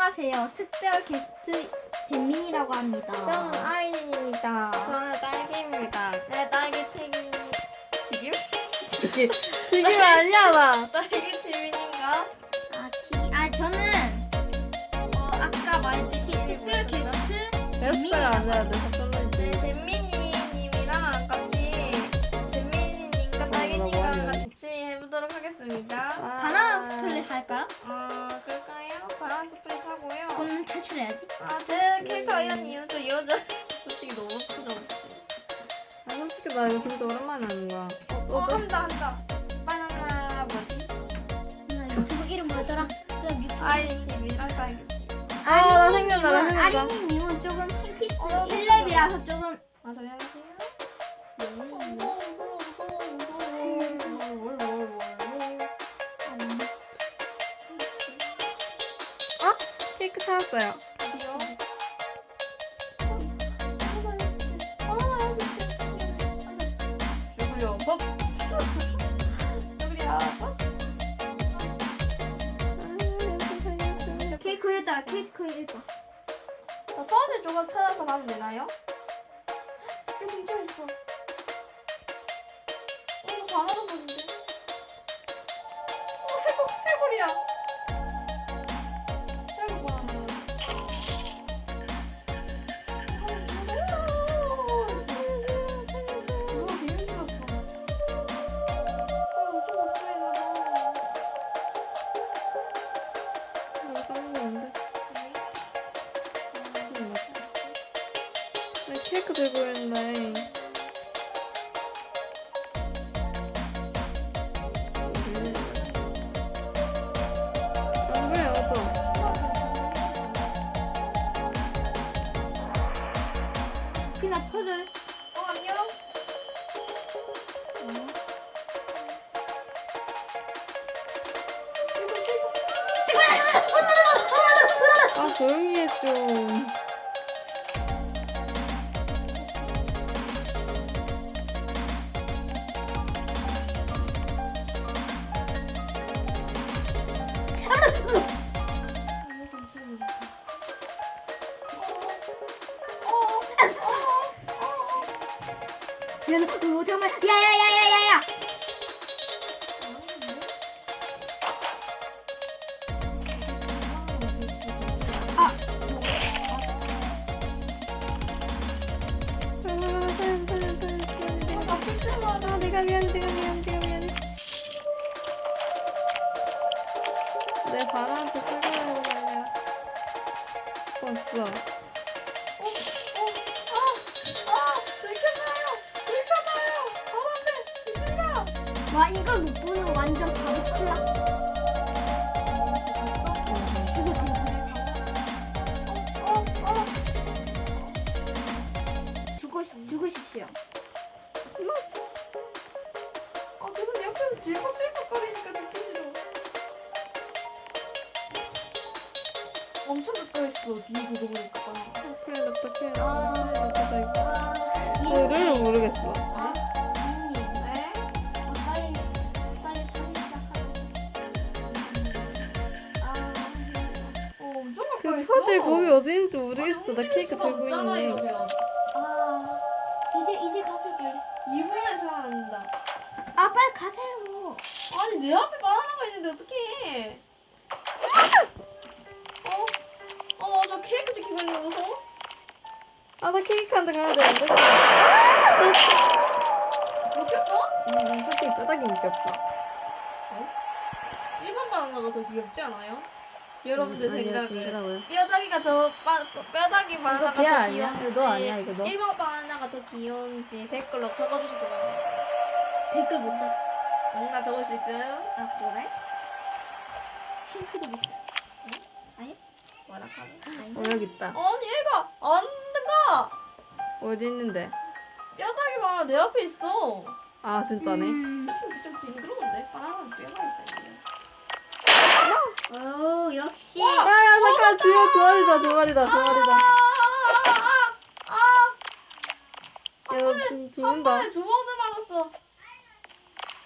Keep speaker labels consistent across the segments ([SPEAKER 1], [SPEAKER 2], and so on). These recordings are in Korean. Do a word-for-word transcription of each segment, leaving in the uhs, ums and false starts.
[SPEAKER 1] 안녕하세요. 특별 게스트 잼민이라고 합니다.
[SPEAKER 2] 저는 아이린입니다.
[SPEAKER 3] 저는 딸기입니다.
[SPEAKER 2] 네, 딸기 튀김 튀김?
[SPEAKER 3] 튀김 튀김 아니야 나.
[SPEAKER 2] 딸기 튀김인가?
[SPEAKER 1] 아, 티, 아 저는 어, 아까 말했듯이 특별 게스트
[SPEAKER 3] 됐어요
[SPEAKER 1] 잼민이라고
[SPEAKER 3] 아니야
[SPEAKER 1] 합니다.
[SPEAKER 3] 내가 썼는지.
[SPEAKER 2] 네, 잼민이님이랑 같이 잼민이님과 딸기님과 같이 해보도록 하겠습니다.
[SPEAKER 3] 아.
[SPEAKER 1] 바나나 스플릿 할까요?
[SPEAKER 2] 어, 그럴까요? 바나나 스프릿 하고요.
[SPEAKER 1] 그럼 탈출해야지.
[SPEAKER 2] 아, 제 캐릭터 이런 이유 저 여자 솔직히 너무 부담스러워.
[SPEAKER 3] 아 솔직히 나 이거 진짜 오랜만에 하는 거야.
[SPEAKER 2] 어, 한다 한다. 바나나 뭐지?
[SPEAKER 1] 나 유튜브 이름 뭐였더라? 저 유튜브
[SPEAKER 2] 아이린 TV랑 딸기.
[SPEAKER 3] 아, 나 생각나, 나 생각나.
[SPEAKER 1] 아린이님은 조금 킹피스
[SPEAKER 2] 어,
[SPEAKER 1] 일 렙이라서 조금
[SPEAKER 2] 아, 저기 안녕하세요.
[SPEAKER 3] 케이크 찾았어요.
[SPEAKER 2] 어디요? 누구요? 법? 누구야?
[SPEAKER 1] 케이크 여자 케이크 여자.
[SPEAKER 2] 나 퍼즐 조각 찾아서 가면 되나요? 여기 문자 있어. 어, 이거 바나나 소인데. 어, 해골, 해골이야. 해골 바나나. 누가 되게 힘들었어. 어, 좀 못하겠나 봐.
[SPEAKER 3] 이거 싸는 거 안돼. 나 케이크 들고 있는데. 안 보여 또.
[SPEAKER 1] 그냥 퍼즐.
[SPEAKER 2] 어, 안녕?
[SPEAKER 3] 아 조용히 해 좀.
[SPEAKER 1] 야, 너 그거 잠깐만. 야야야야야야. 아,
[SPEAKER 3] 아 내가 미안해 내가 미안해 내가 미안해. 내 바나한테 끌려고 말이야. 왔어.
[SPEAKER 1] 와 이걸 못 보는 거 완전 바보 클라스. 죽고 싶 죽으십시오.
[SPEAKER 2] 아, 계속 옆에서 질퍽질퍽거리니까 듣기 싫어. 엄청 가까이 있어. 뒤에 그거 보니까.
[SPEAKER 3] 어떡해 어떡해.
[SPEAKER 1] 아.
[SPEAKER 3] 어떡해 이거.
[SPEAKER 1] 아,
[SPEAKER 3] 룰을 모르겠어.
[SPEAKER 2] 아,
[SPEAKER 1] 민님,
[SPEAKER 2] 네?
[SPEAKER 1] 어, 빨리 빨리 사진 시작하자.
[SPEAKER 2] 아, 어, 엄청 가까이
[SPEAKER 3] 그
[SPEAKER 2] 있어.
[SPEAKER 3] 퍼즐 거기 어디 있는지 모르겠어. 나
[SPEAKER 2] 움직일
[SPEAKER 3] 케이크
[SPEAKER 2] 수가
[SPEAKER 3] 들고
[SPEAKER 2] 없잖아,
[SPEAKER 3] 있는데.
[SPEAKER 2] 이러면.
[SPEAKER 1] 아, 이제 이제 가세요 빨리.
[SPEAKER 2] 이 분에 살아난다.
[SPEAKER 1] 아 빨리 가세요.
[SPEAKER 2] 아니, 내 앞에 바나나가 있는데 어떡해. 어? 어, 저 케이크 지키고 있는 거 보소?
[SPEAKER 3] 아 나 케이크 한테 가야 되는데.
[SPEAKER 2] 먹겠어?
[SPEAKER 3] 음, 솔직히 뼈다귀 귀엽다.
[SPEAKER 2] 일반 바나나가 더 귀엽지 않아요? 여러분들
[SPEAKER 3] 음, 아니요,
[SPEAKER 2] 생각에
[SPEAKER 3] 징그러워요.
[SPEAKER 2] 뼈다귀가 더 빠, 뼈다귀 바나나가
[SPEAKER 3] 걔
[SPEAKER 2] 더
[SPEAKER 3] 아니야?
[SPEAKER 2] 귀여운지
[SPEAKER 3] 이거 너 아니야, 이거 너?
[SPEAKER 2] 일반 바나나가 더 귀여운지 댓글로 적어주시도록 합니다.
[SPEAKER 1] 댓글 못 적.
[SPEAKER 2] 응나 적을 수 있음.
[SPEAKER 1] 아 그래? 싱크도 못. 아니?
[SPEAKER 2] 뭐라 카네?
[SPEAKER 3] 어 여기 있다.
[SPEAKER 2] 아니 얘가 안 가.
[SPEAKER 3] 어디 있는데?
[SPEAKER 2] 뼈다귀 바나나 내 앞에 있어.
[SPEAKER 3] 아 진짜네.
[SPEAKER 1] 음.
[SPEAKER 2] 솔직히 좀 징그러운데 바나나는 뼈가 있잖아요.
[SPEAKER 1] 오 역시.
[SPEAKER 3] 야야 잠깐 두, 두 마리다 두 마리다 두 마리다.
[SPEAKER 2] 아아아아아
[SPEAKER 3] 야너 지금
[SPEAKER 2] 한
[SPEAKER 3] 죽는다.
[SPEAKER 2] 번에 두 번을 말았어.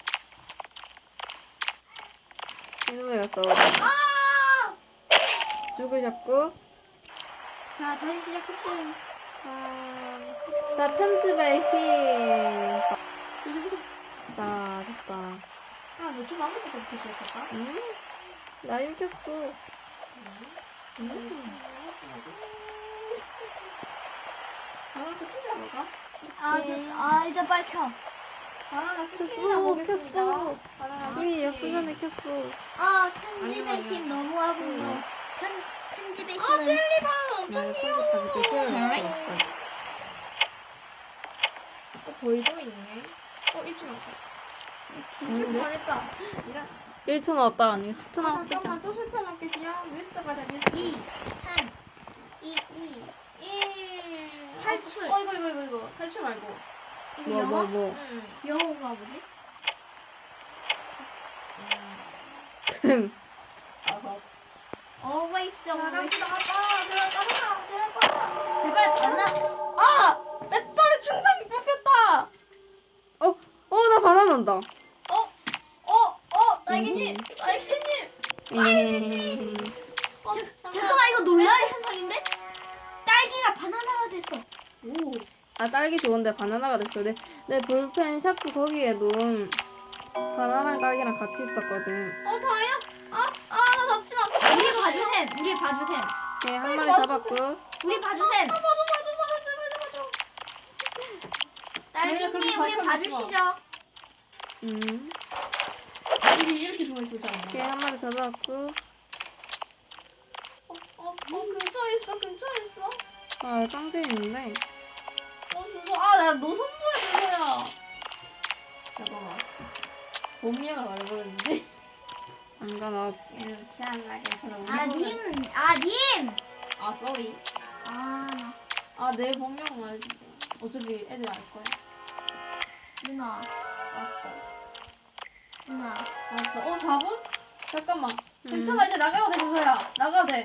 [SPEAKER 3] 이놈의 갔다 오라.
[SPEAKER 2] 아!
[SPEAKER 3] 죽으셨고.
[SPEAKER 1] 자, 다시 시작합시다.
[SPEAKER 3] 아, 자, 편집의 힘. 나 됐다.
[SPEAKER 2] 아, 몇초 남았을 때부터 시작할까?
[SPEAKER 3] 음? 나 힘 켰어.
[SPEAKER 2] 음. 바나나 스킨 잡을까?
[SPEAKER 1] 아,
[SPEAKER 3] 네.
[SPEAKER 1] 아, 이제 빨리 켜.
[SPEAKER 2] 바나나 스킨
[SPEAKER 3] 켰어,
[SPEAKER 2] 잡보겠습니다.
[SPEAKER 3] 켰어.
[SPEAKER 2] 바나나
[SPEAKER 3] 이미
[SPEAKER 2] 스킨.
[SPEAKER 3] 예쁜 전에 켰어.
[SPEAKER 1] 아, 편집의
[SPEAKER 3] 아니요,
[SPEAKER 1] 힘
[SPEAKER 3] 아니요.
[SPEAKER 1] 너무하군요.
[SPEAKER 3] 응.
[SPEAKER 1] 편, 편집의
[SPEAKER 2] 아,
[SPEAKER 1] 힘은.
[SPEAKER 2] 젤리바나나 엄청
[SPEAKER 3] 난
[SPEAKER 2] 귀여워.
[SPEAKER 3] 편집하기 또
[SPEAKER 1] 잘.
[SPEAKER 3] 싫어했어.
[SPEAKER 2] 어, 벌도 있네. 어, 일 초 남았다.
[SPEAKER 1] 이렇게.
[SPEAKER 2] 일 초
[SPEAKER 3] 근데?
[SPEAKER 2] 반 했다. 이런.
[SPEAKER 3] 일 초 나왔다. 아니, 십 초
[SPEAKER 2] 아,
[SPEAKER 3] 나왔다.
[SPEAKER 2] 잠깐만, 또 실패할게. 그냥 뮤스 가자, 뮤스.
[SPEAKER 1] 이, 삼, 이.
[SPEAKER 2] 이, 일.
[SPEAKER 1] 탈출.
[SPEAKER 2] 어, 이거, 이거, 이거, 이거. 탈출 말고.
[SPEAKER 1] 이거
[SPEAKER 3] 뭐, 뭐,
[SPEAKER 1] 영어?
[SPEAKER 3] 뭐.
[SPEAKER 2] 응.
[SPEAKER 1] 영어가 뭐지?
[SPEAKER 3] 금.
[SPEAKER 2] 어허.
[SPEAKER 1] Always,
[SPEAKER 2] 자,
[SPEAKER 1] always.
[SPEAKER 2] 갑시다. 아, 제발 빠져라. 제발 빠져라.
[SPEAKER 1] 제발 바나.
[SPEAKER 2] 아! 배터리 충전기 뽑혔다!
[SPEAKER 3] 어, 어, 나 바나나다.
[SPEAKER 2] 어? 어? 어? 날개님!
[SPEAKER 3] 음.
[SPEAKER 2] 날개님!
[SPEAKER 3] 음.
[SPEAKER 2] 어,
[SPEAKER 1] 자, 잠깐만, 이거 놀라의 현상인데? 딸기가 바나나가 됐어.
[SPEAKER 2] 오.
[SPEAKER 3] 아, 딸기 좋은데 바나나가 됐어. 내, 내 볼펜 샤프 거기에도 바나나랑 딸기랑 같이 있었거든.
[SPEAKER 2] 어, 다야? 아, 아, 나 잡지 마.
[SPEAKER 1] 우리 봐주셈, 우리 봐주셈.
[SPEAKER 3] 오케이, 한 마리
[SPEAKER 2] 맞아.
[SPEAKER 3] 잡았고.
[SPEAKER 1] 우리 봐주셈.
[SPEAKER 2] 아, 맞아, 맞아, 맞아, 제발, 제발, 제발.
[SPEAKER 1] 딸기님,
[SPEAKER 2] 그렇게
[SPEAKER 1] 우리
[SPEAKER 2] 가까이
[SPEAKER 1] 봐주시죠.
[SPEAKER 3] 음.
[SPEAKER 2] 이게 이렇게 숨어있었잖아.
[SPEAKER 3] 오케이, 한 마리 더 잡았고.
[SPEAKER 2] 어, 어, 어, 근처에 있어, 근처에 있어.
[SPEAKER 3] 아, 짱 재밌는데.
[SPEAKER 2] 어, 진짜. 아, 나 너 선보여준 거야. 잠깐만. 본명을 말해버렸는데.
[SPEAKER 3] 상관없어.
[SPEAKER 2] 이렇게 하나 괜찮아. 우리
[SPEAKER 1] 아,
[SPEAKER 2] 보면-
[SPEAKER 1] 님, 아, 님.
[SPEAKER 2] 아, 쏘리.
[SPEAKER 1] 아, 나.
[SPEAKER 2] 아, 내 본명 말해주세요. 어차피 애들 알 거야.
[SPEAKER 1] 누나,
[SPEAKER 2] 맞다.
[SPEAKER 1] 누나.
[SPEAKER 2] 맞다. 어, 사 분? 잠깐만.
[SPEAKER 3] 음.
[SPEAKER 2] 괜찮아, 이제 나가도 돼, 주서야. 나가도 돼.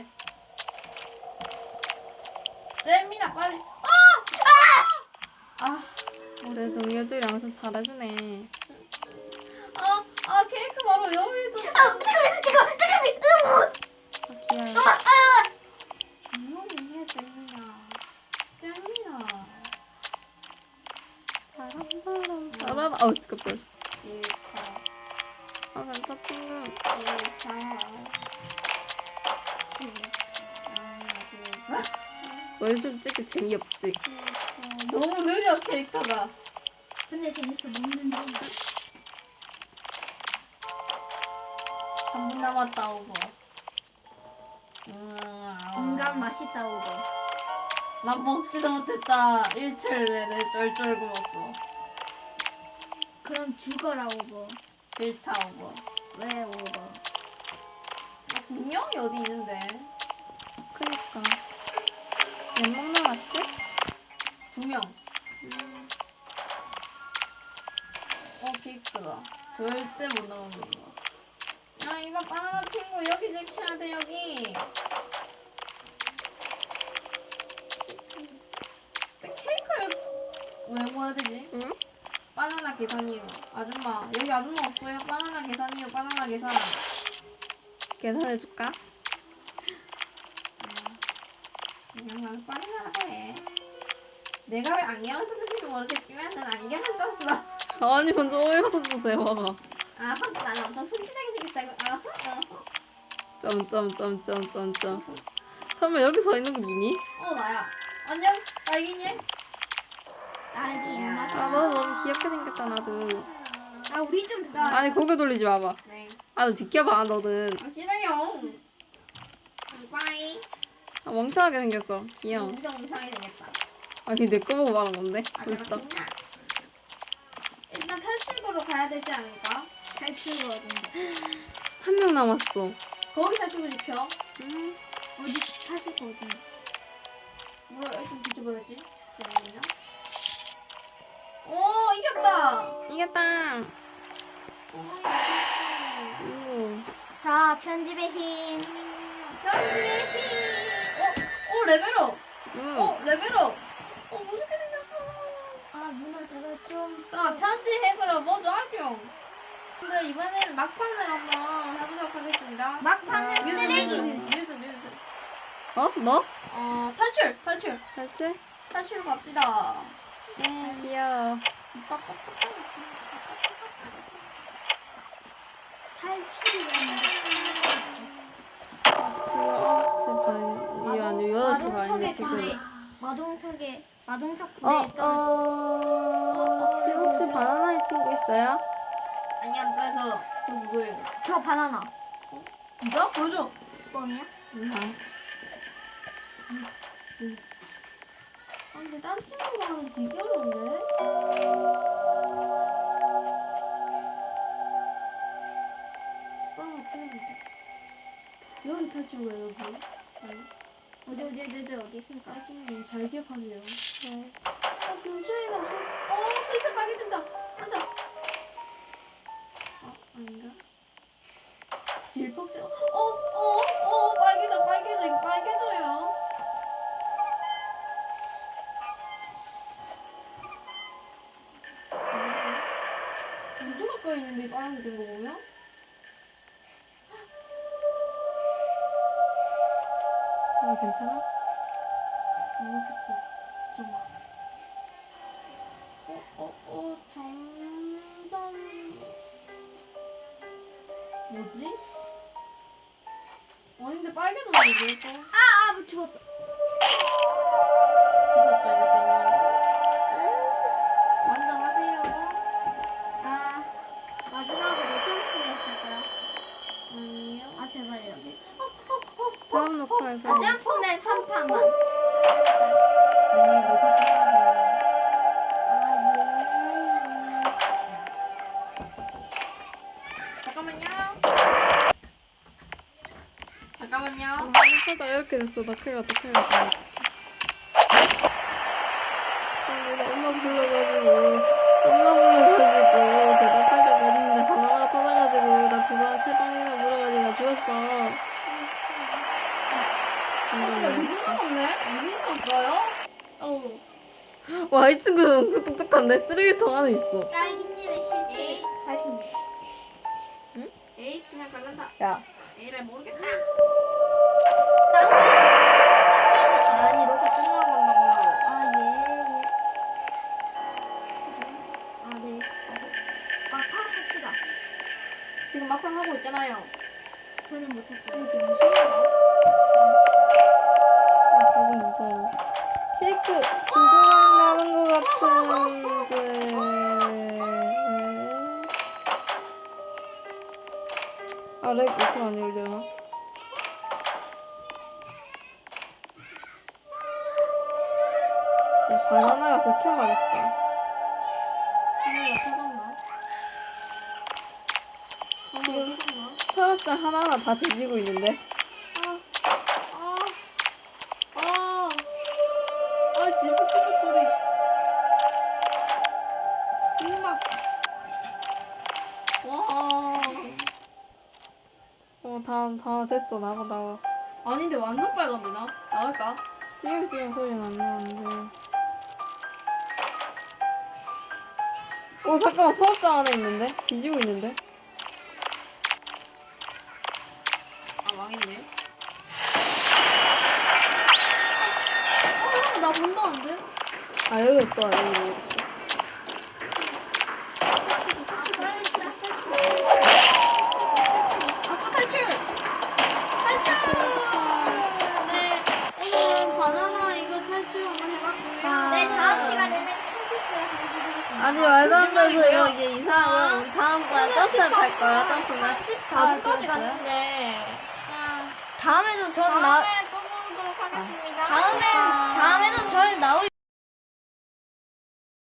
[SPEAKER 2] 잼미나, 빨리. 아! 아! 아,
[SPEAKER 3] 내 동료들이 항상 잘해주네.
[SPEAKER 2] 아, 아, 케이크 바로 여기 있어.
[SPEAKER 1] 아, 잠깐만, 잠깐만, 잠깐만.
[SPEAKER 3] 아, 귀여워.
[SPEAKER 2] 조용히 해, 잼미나. 잼미나.
[SPEAKER 3] 바람바람 바람. 어우, 깜짝이야.
[SPEAKER 2] 케이크.
[SPEAKER 3] 아, 간다 친구.
[SPEAKER 2] 케이크.
[SPEAKER 3] 너 솔직히 재미없지.
[SPEAKER 2] 너무 느려, 캐릭터가.
[SPEAKER 1] 근데 재밌어, 먹는지.
[SPEAKER 2] 삼 분 남았다, 오버. 음,
[SPEAKER 1] 건강 맛있다, 오고.
[SPEAKER 2] 난 먹지도 못했다. 일주일 내내 쫄쫄 굶었어.
[SPEAKER 1] 그럼 죽어라, 오고.
[SPEAKER 2] 싫다, 오버.
[SPEAKER 1] 왜, 오고.
[SPEAKER 2] 아, 분명히 어디 있는데.
[SPEAKER 3] 그니까. 몇명 남았지?
[SPEAKER 2] 두 명. 어, 케이크다. 절대 못 나오는 거. 야, 이봐, 바나나 친구. 여기 지켜야 돼, 여기. 근데 케이크를 왜 먹어야 되지?
[SPEAKER 3] 응?
[SPEAKER 2] 바나나 계산이요. 아줌마, 여기 아줌마 없어요? 바나나 계산이요, 바나나 계산.
[SPEAKER 3] 계산해줄까?
[SPEAKER 2] 그냥 나는 바나나라고 해. 내가 왜 안경을 썼는지 모르겠지만 난 안경을 썼어.
[SPEAKER 3] 아니, 먼저 어이가 없어서 대화가.
[SPEAKER 2] 아하, 나는 엄청 순진하게 생겼다고. 아하, 아하.
[SPEAKER 3] 점점점점점점. 설마 여기 서 있는 거 니니?
[SPEAKER 2] 어, 나야. 안녕, 딸기님.
[SPEAKER 1] 딸기 입맛.
[SPEAKER 3] 아, 너 너무 귀엽게 생겼다, 나도.
[SPEAKER 1] 아, 우리 좀.
[SPEAKER 2] 나-
[SPEAKER 3] 아니, 고개 돌리지 마봐.
[SPEAKER 2] 네.
[SPEAKER 3] 아, 너 비켜봐, 너는.
[SPEAKER 2] 아, 싫어요. 빠이.
[SPEAKER 3] 아, 멍청하게 생겼어. 귀여워.
[SPEAKER 2] 니도 엉상이 생겼다.
[SPEAKER 3] 아, 걔 내 거 보고 말한 건데?
[SPEAKER 2] 아,
[SPEAKER 3] 진짜.
[SPEAKER 2] 그렇구나. 일단 탈출구로 가야 되지 않을까?
[SPEAKER 1] 탈출거든요.
[SPEAKER 3] 한 명 남았어.
[SPEAKER 2] 거기 탈출구 지켜.
[SPEAKER 3] 음.
[SPEAKER 1] 어디 탈출거든.
[SPEAKER 2] 뭐야, 좀 뒤져봐야지. 잠깐만요. 오, 이겼다.
[SPEAKER 3] 이겼다.
[SPEAKER 2] 오, 이겼다.
[SPEAKER 3] 오.
[SPEAKER 1] 자, 편집의 힘.
[SPEAKER 2] 편집의 힘. 어, 어, 레벨업.
[SPEAKER 3] 음.
[SPEAKER 2] 어, 레벨업. 어, 멋있게 생겼어.
[SPEAKER 1] 아, 누나 제가 좀.
[SPEAKER 2] 아, 편집해보러 먼저 하죠. 근데 이번에는 막판을 한번 해보도록 하겠습니다.
[SPEAKER 1] 막판은
[SPEAKER 3] 아,
[SPEAKER 1] 쓰레기.
[SPEAKER 2] 뮤즈, 뮤즈, 뮤즈.
[SPEAKER 3] 어? 뭐?
[SPEAKER 2] 어 탈출 탈출
[SPEAKER 3] 탈출?
[SPEAKER 2] 탈출 갑시다.
[SPEAKER 3] 네, 귀여워.
[SPEAKER 1] 탈출이라는 게
[SPEAKER 3] 지금 아홉 시 반이 아니고 여덟 시
[SPEAKER 1] 마동석의
[SPEAKER 3] 반인데
[SPEAKER 1] 불에
[SPEAKER 3] 지금.
[SPEAKER 1] 마동석의 마동석
[SPEAKER 3] 어,
[SPEAKER 1] 불에 떨어져.
[SPEAKER 3] 어, 지금 혹시 바나나의 친구 있어요?
[SPEAKER 2] 아니야 저저 저 그거예요.
[SPEAKER 1] 저 바나나.
[SPEAKER 2] 진짜 보여줘.
[SPEAKER 1] 뻥이야?
[SPEAKER 2] 아 근데 딴 친구가 하면 되게 어려운데. 빵을 풀어준다. 여기 탈출구야 여기. 아니,
[SPEAKER 1] 어디 어디 어디 어디 어디 있습니까?
[SPEAKER 2] 딸기님 잘 기억하세요.
[SPEAKER 3] 네.
[SPEAKER 2] 어 근처에 나서 어 슬슬 빨개진다. 앉아. 어 아닌가? 질퍽지. 어어어 빨개져 빨개져 이거 빨개져요. 엄청 가까이 있는데 빨간색 된 거 보면?
[SPEAKER 3] 아, 괜찮아?
[SPEAKER 2] 모르겠어. 잠깐만. 어, 어, 어, 점점. 뭐지? 아닌데 빨개졌는데 왜 또?
[SPEAKER 1] 아아 뭐 죽었어.
[SPEAKER 2] 죽었죠, 이제님. 완전하세요.
[SPEAKER 1] 아 마지막으로 점프해 할까요?
[SPEAKER 2] 아니요.
[SPEAKER 1] 아 제발요.
[SPEAKER 3] 다음 녹화에서.
[SPEAKER 1] 아 점프맨 한 판만.
[SPEAKER 2] 네, 녹화 끝나고. 잠깐만요. 잠깐만요.
[SPEAKER 3] 하다 이렇게 됐어. 나 큰일 났다, 큰일 났다. 아, 내가 엄마 불러가지고, 엄마 불러가지고, 대답하려고 했는데, 바나나가 터져가지고, 나 두 번, 세 번이나 물어가지고, 나 죽었어.
[SPEAKER 2] 아, 진짜 이 분 남았네? 이 분 남았어요? 어우.
[SPEAKER 3] 와, 이 친구 은근 똑똑한데? 쓰레기통 안에 있어.
[SPEAKER 1] 딸기님의 실체를
[SPEAKER 2] 에이.
[SPEAKER 1] 밝힙니다.
[SPEAKER 2] 에이, 그냥 갈란다.
[SPEAKER 3] 야.
[SPEAKER 2] 에이를 모르겠다.
[SPEAKER 1] 딸기.
[SPEAKER 2] 아니, 녹화 끝나고 간다고요.
[SPEAKER 1] 아 예. 예. 아 네. 막판 합시다.
[SPEAKER 2] 지금 막판 하고 있잖아요.
[SPEAKER 1] 저는 못했어요.
[SPEAKER 2] 이거 병신인가?
[SPEAKER 3] 조금 무서워. 케이크 진짜만 남은 것 같은데. 아, 렉 이렇게 많이 올려나? 야, 바나나가 그렇게 맛있다.
[SPEAKER 2] 하나가 터졌나? 하나가 터졌나?
[SPEAKER 3] 서랍장 하나하나 다 뒤지고 있는데.
[SPEAKER 2] 아, 아, 아, 아, 지붕지붕 소리. 이거 막, 와.
[SPEAKER 3] 어, 다, 다 됐어. 나가, 나와.
[SPEAKER 2] 아닌데 완전 빨갑니다. 나갈까?
[SPEAKER 3] 삐용삐용 소리는 안 나는데. 오, 잠깐만. 서랍장 안에 있는데? 뒤지고 있는데?
[SPEAKER 2] 아, 망했네. 아, 나 본다는데?
[SPEAKER 3] 아, 여기 있다. 여기 있다.
[SPEAKER 2] 아싸, 탈출! 탈출! 네, 오늘은 바나나 이걸 탈출 한번 해봤고요.
[SPEAKER 1] 네 다음 시간에는 킹피스를 한번 해보겠습니다.
[SPEAKER 3] 아니, 말도 안 되는
[SPEAKER 2] 거짓말이고요.
[SPEAKER 3] 소리야. 이게 이상하고. 우리 다음번에 점프맨 갈 거야, 점프맨.
[SPEAKER 2] 십사 분까지 갔는데.
[SPEAKER 1] 다음에도 전 나.
[SPEAKER 2] 다음에 또 보도록 하겠습니다.
[SPEAKER 1] 다음에 다음에도 절 나올